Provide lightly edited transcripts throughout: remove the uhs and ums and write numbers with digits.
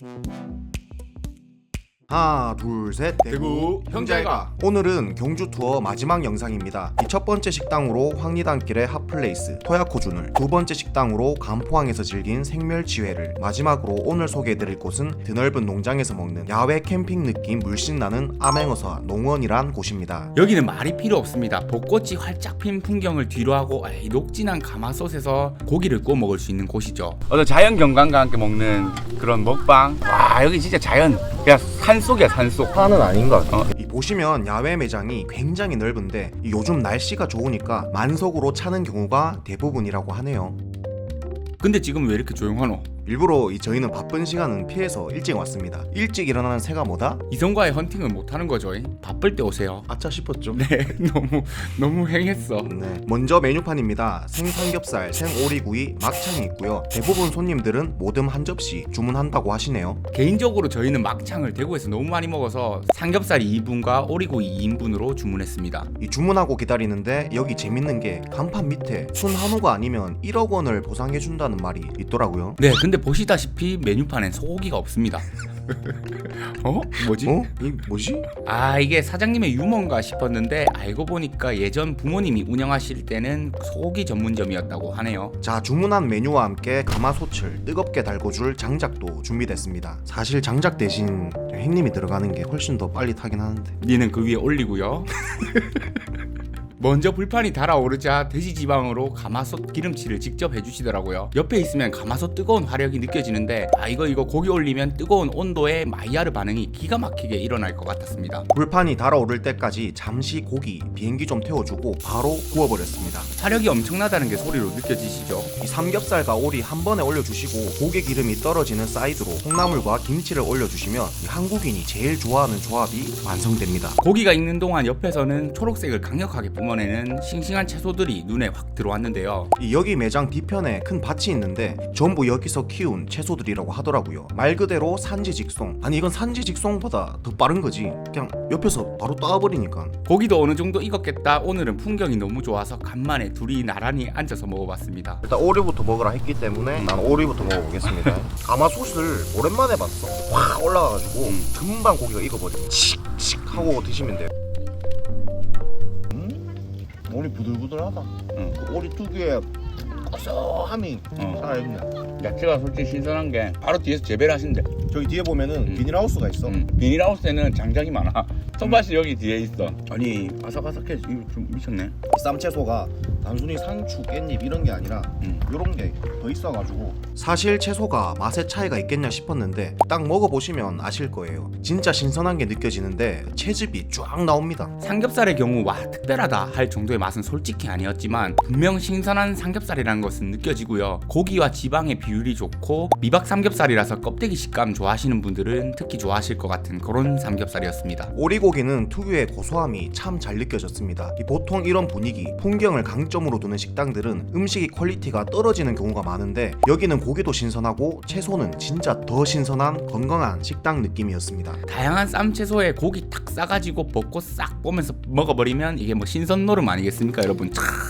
하나 둘셋 대구 형제가. 오늘은 경주 투어 마지막 영상입니다. 이 첫 번째 식당으로 황리단길의 핫플레이스 토야코준을, 두 번째 식당으로 간포항에서 즐긴 생멸지회를, 마지막으로 오늘 소개해드릴 곳은 드넓은 농장에서 먹는 야외 캠핑 느낌 물씬 나는 암행어사 농원이란 곳입니다. 여기는 말이 필요 없습니다. 벚꽃이 활짝 핀 풍경을 뒤로하고 녹진한 가마솥에서 고기를 구워 먹을 수 있는 곳이죠. 어떤 자연 경관과 함께 먹는 그런 먹방. 와, 여기 진짜 자연, 그냥 산속이야, 산속. 산은 아닌 것 같아요. 이 보시면 야외 매장이 굉장히 넓은데 이 요즘 날씨가 좋으니까 만석으로 차는 경우가 대부분이라고 하네요. 근데 지금 왜 이렇게 조용하노? 일부러 저희는 바쁜 시간은 피해서 일찍 왔습니다. 일찍 일어나는 새가 뭐다? 이성과의 헌팅을 못하는 거죠. 바쁠 때 오세요. 아차 싶었죠. 네, 너무 행했어. 네. 먼저 메뉴판입니다. 생삼겹살, 생오리구이, 막창이 있고요. 대부분 손님들은 모듬 한 접시 주문한다고 하시네요. 개인적으로 저희는 막창을 대구에서 너무 많이 먹어서 삼겹살 2인분과 오리구이 2인분으로 주문했습니다. 이 주문하고 기다리는데 여기 재밌는 게 간판 밑에 순 한우가 아니면 1억 원을 보상해준다는 말이 있더라고요. 네, 근데 보시다시피 메뉴판엔 소고기가 없습니다. 뭐지? 이 뭐지? 이게 사장님의 유머인가 싶었는데 알고 보니까 예전 부모님이 운영하실 때는 소고기 전문점이었다고 하네요. 자, 주문한 메뉴와 함께 가마솥을 뜨겁게 달궈줄 장작도 준비됐습니다. 사실 장작 대신 햇님이 들어가는 게 훨씬 더 빨리 타긴 하는데 니는 그 위에 올리고요. 먼저 불판이 달아오르자 돼지지방으로 가마솥 기름칠을 직접 해주시더라고요. 옆에 있으면 가마솥 뜨거운 화력이 느껴지는데 이거 고기 올리면 뜨거운 온도에 마이야르 반응이 기가 막히게 일어날 것 같았습니다. 불판이 달아오를 때까지 잠시 고기, 비행기 좀 태워주고 바로 구워버렸습니다. 화력이 엄청나다는 게 소리로 느껴지시죠? 이 삼겹살과 오리 한 번에 올려주시고 고기 기름이 떨어지는 사이드로 콩나물과 김치를 올려주시면 이 한국인이 제일 좋아하는 조합이 완성됩니다. 고기가 익는 동안 옆에서는 초록색을 강력하게 뿜어내는 싱싱한 채소들이 눈에 확 들어왔는데요. 여기 매장 뒤편에 큰 밭이 있는데 전부 여기서 키운 채소들이라고 하더라고요. 말 그대로 산지직송. 아니 이건 산지직송보다 더 빠른 거지. 그냥 옆에서 바로 따버리니까. 고기도 어느 정도 익었겠다. 오늘은 풍경이 너무 좋아서 간만에 둘이 나란히 앉아서 먹어봤습니다. 일단 오리부터 먹으라 했기 때문에 난 오리부터 먹어보겠습니다. 가마솥을 오랜만에 봤어. 확 올라가가지고 금방 고기가 익어버려. 칙칙 하고 드시면 돼요. 오리 부들부들하다. 그 오리 특유의 고소함이 살아있네. 야채가 솔직히 신선한 게 바로 뒤에서 재배를 하신대. 저기 뒤에 보면은 비닐하우스가 있어. 비닐하우스에는 장작이 많아. 손맛이 여기 뒤에 있어. 아니, 아삭아삭해. 이거 좀 미쳤네. 이 쌈채소가 단순히 상추, 깻잎 이런 게 아니라 요런 게 더 있어가지고 사실 채소가 맛의 차이가 있겠냐 싶었는데 딱 먹어보시면 아실 거예요. 진짜 신선한 게 느껴지는데 채즙이 쫙 나옵니다. 삼겹살의 경우 특별하다 할 정도의 맛은 솔직히 아니었지만 분명 신선한 삼겹살이라는 것은 느껴지고요. 고기와 지방의 비율이 좋고 미박 삼겹살이라서 껍데기 식감 좋아하시는 분들은 특히 좋아하실 것 같은 그런 삼겹살이었습니다. 오리고기는 특유의 고소함이 참 잘 느껴졌습니다. 보통 이런 분위기, 풍경을 강점으로 두는 식당들은 음식이 퀄리티가 떨어지는 경우가 많은데 여기는 고기도 신선하고 채소는 진짜 더 신선한 건강한 식당 느낌이었습니다. 다양한 쌈채소에 고기 탁 싸가지고 볶고 싹 보면서 먹어버리면 이게 신선 노름 아니겠습니까 여러분?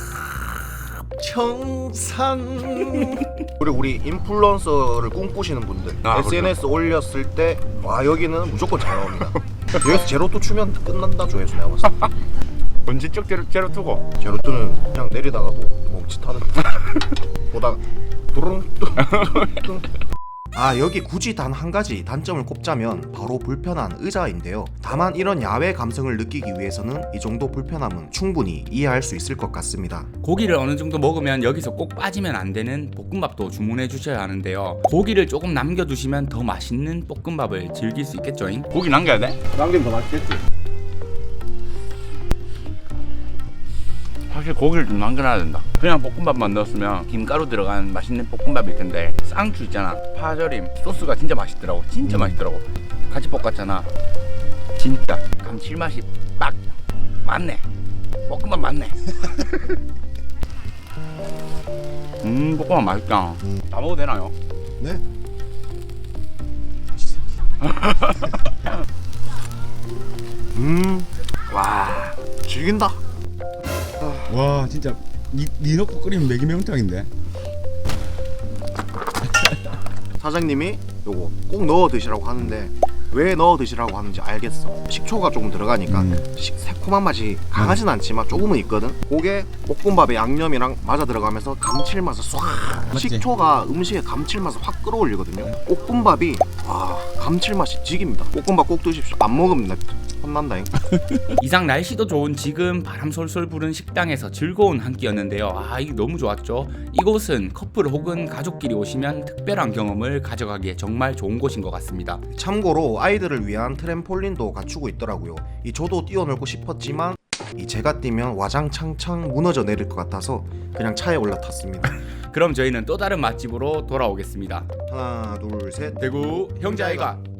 청산. 그리고 우리 인플루언서를 꿈꾸시는 분들 SNS 올렸을 때 여기는 무조건 잘 나옵니다. 여기서 제로투 추면 끝난다 조회수 내가 봤을 때. 본질적 제로 투고. 제로투는 그냥 내리다가도 멈칫하는. 보다가 두릉 뚱뚱. 여기 굳이 단 한 가지 단점을 꼽자면 바로 불편한 의자인데요. 다만 이런 야외 감성을 느끼기 위해서는 이 정도 불편함은 충분히 이해할 수 있을 것 같습니다. 고기를 어느 정도 먹으면 여기서 꼭 빠지면 안 되는 볶음밥도 주문해 주셔야 하는데요. 고기를 조금 남겨두시면 더 맛있는 볶음밥을 즐길 수 있겠죠. 고기 남겨야 돼? 남기면 더 맛있겠지. 사실 고기를 좀 남겨놔야 된다. 그냥 볶음밥만 넣었으면 김가루 들어간 맛있는 볶음밥일 텐데 쌍추 있잖아, 파절임, 소스가 진짜 맛있더라고. 진짜 맛있더라고. 같이 볶았잖아. 진짜 감칠맛이 딱 맞네. 볶음밥 맞네. 볶음밥 맛있다. 다 먹어도 되나요? 네. 와, 즐긴다. 와 진짜 니 넣고 끓이면 매기 매운탕인데. 사장님이 요거 꼭 넣어 드시라고 하는데 왜 넣어 드시라고 하는지 알겠어. 식초가 조금 들어가니까 새콤한 맛이 강하진 않지만 조금은 있거든. 그게 볶음밥에 양념이랑 맞아 들어가면서 감칠맛을 쏴. 맞지? 식초가 음식의 감칠맛을 확 끌어올리거든요. 볶음밥이 와 감칠맛이 지깁니다. 볶음밥 꼭 드십시오. 안 먹으면 나 혼난다잉. 이상 날씨도 좋은 지금 바람 솔솔 부는 식당에서 즐거운 한 끼였는데요. 아 이게 너무 좋았죠. 이곳은 커플 혹은 가족끼리 오시면 특별한 경험을 가져가기에 정말 좋은 곳인 것 같습니다. 참고로 아이들을 위한 트램폴린도 갖추고 있더라고요. 이 저도 뛰어놀고 싶었지만 이 제가 뛰면 와장창창 무너져 내릴 것 같아서 그냥 차에 올라탔습니다. 그럼 저희는 또 다른 맛집으로 돌아오겠습니다. 하나 둘 셋. 대구 형제아이가